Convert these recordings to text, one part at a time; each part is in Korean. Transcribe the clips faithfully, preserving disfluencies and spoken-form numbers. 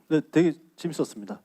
네, 되게 재밌었습니다.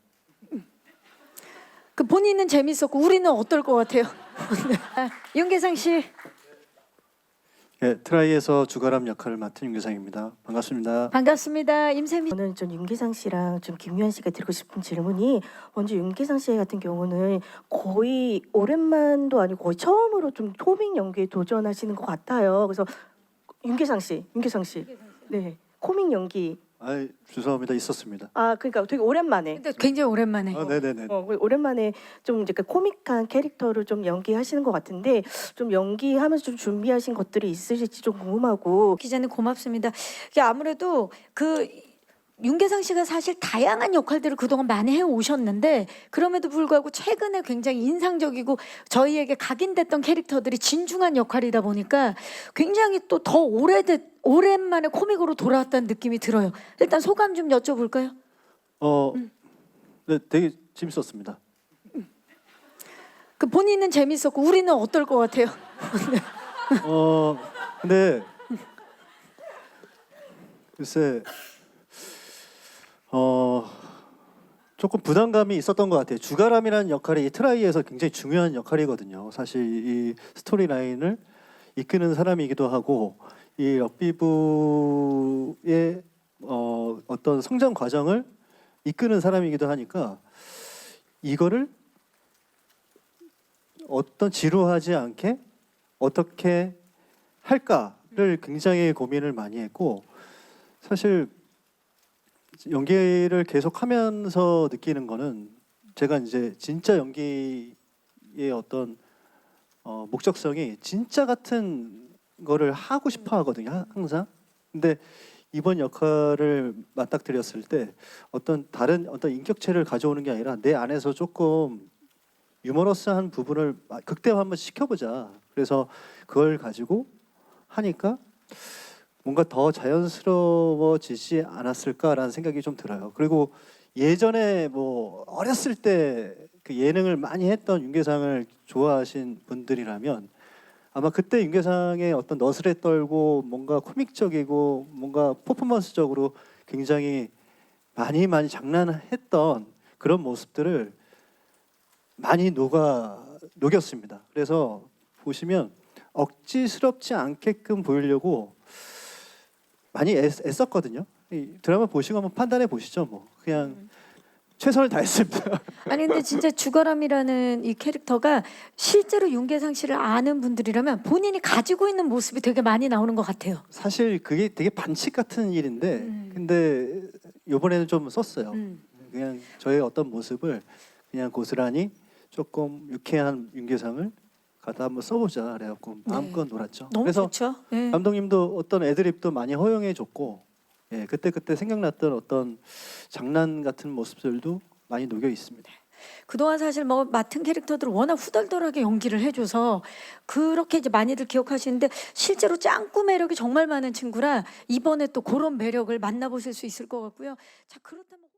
그 본인은 재밌었고 우리는 어떨 것 같아요? 아, 윤계상 씨. 네, 트라이에서 주가람 역할을 맡은 윤계상입니다. 반갑습니다. 반갑습니다. 임세미. 저는 좀 윤계상 씨랑 좀 김유한 씨가 드리고 싶은 질문이, 먼저 윤계상 씨 같은 경우는 거의 오랜만도 아니고 거의 처음으로 좀 코믹 연기에 도전하시는 것 같아요. 그래서 윤계상 씨, 윤계상 씨, 네, 코믹 연기. 아, 죄송합니다. 있었습니다. 아, 그러니까 되게 오랜만에. 근데 굉장히 오랜만에. 아, 네네네. 어, 오랜만에 좀 이제 그 코믹한 캐릭터를 좀 연기하시는 것 같은데, 좀 연기하면서 좀 준비하신 것들이 있으실지 좀 궁금하고. 기자님 고맙습니다. 이게 아무래도 그 윤계상 씨가 사실 다양한 역할들을 그동안 많이 해오셨는데 그럼에도 불구하고 최근에 굉장히 인상적이고 저희에게 각인됐던 캐릭터들이 진중한 역할이다 보니까 굉장히 또 더 오래됐 오랜만에 코믹으로 돌아왔다는 느낌이 들어요. 일단 소감 좀 여쭤볼까요? 어, 네, 되게 재밌었습니다. 그 본인은 재밌었고 우리는 어떨 것 같아요? 어, 근데 글쎄, 어, 조금 부담감이 있었던 것 같아요. 주가람이라는 역할이 이 트라이에서 굉장히 중요한 역할이거든요. 사실 이 스토리라인을 이끄는 사람이기도 하고 이 럭비부의 어, 어떤 성장 과정을 이끄는 사람이기도 하니까 이거를 어떤 지루하지 않게 어떻게 할까를 굉장히 고민을 많이 했고, 사실 연기를 계속하면서 느끼는 거는 제가 이제 진짜 연기의 어떤 어, 목적성이 진짜 같은 거를 하고 싶어 하거든요, 항상. 근데 이번 역할을 맞닥뜨렸을 때 어떤 다른 어떤 인격체를 가져오는 게 아니라 내 안에서 조금 유머러스한 부분을 극대화 한번 시켜보자. 그래서 그걸 가지고 하니까 뭔가 더 자연스러워지지 않았을까라는 생각이 좀 들어요. 그리고 예전에 뭐 어렸을 때 그 예능을 많이 했던 윤계상을 좋아하신 분들이라면 아마 그때 윤계상의 어떤 너스레 떨고 뭔가 코믹적이고 뭔가 퍼포먼스적으로 굉장히 많이 많이 장난했던 그런 모습들을 많이 녹아 녹였습니다. 그래서 보시면 억지스럽지 않게끔 보이려고 많이 애, 애썼거든요. 이 드라마 보시고 한번 판단해 보시죠. 뭐 그냥 음. 최선을 다했습니다. 아니 근데 진짜 주가람이라는 이 캐릭터가 실제로 윤계상 씨를 아는 분들이라면 본인이 가지고 있는 모습이 되게 많이 나오는 것 같아요. 사실 그게 되게 반칙 같은 일인데 음. 근데 이번에는 좀 썼어요. 음. 그냥 저의 어떤 모습을 그냥 고스란히 조금 유쾌한 윤계상을 갖다 한번 써보자 그래갖고 마음껏 놀았죠. 너무 그래서 좋죠. 네. 감독님도 어떤 애드립도 많이 허용해줬고, 예, 그때 그때 생각났던 어떤 장난 같은 모습들도 많이 녹여 있습니다. 그동안 사실 뭐 맡은 캐릭터들을 워낙 후덜덜하게 연기를 해줘서 그렇게 이제 많이들 기억하시는데 실제로 짱구 매력이 정말 많은 친구라 이번에 또 그런 매력을 만나보실 수 있을 것 같고요. 자 그렇다면.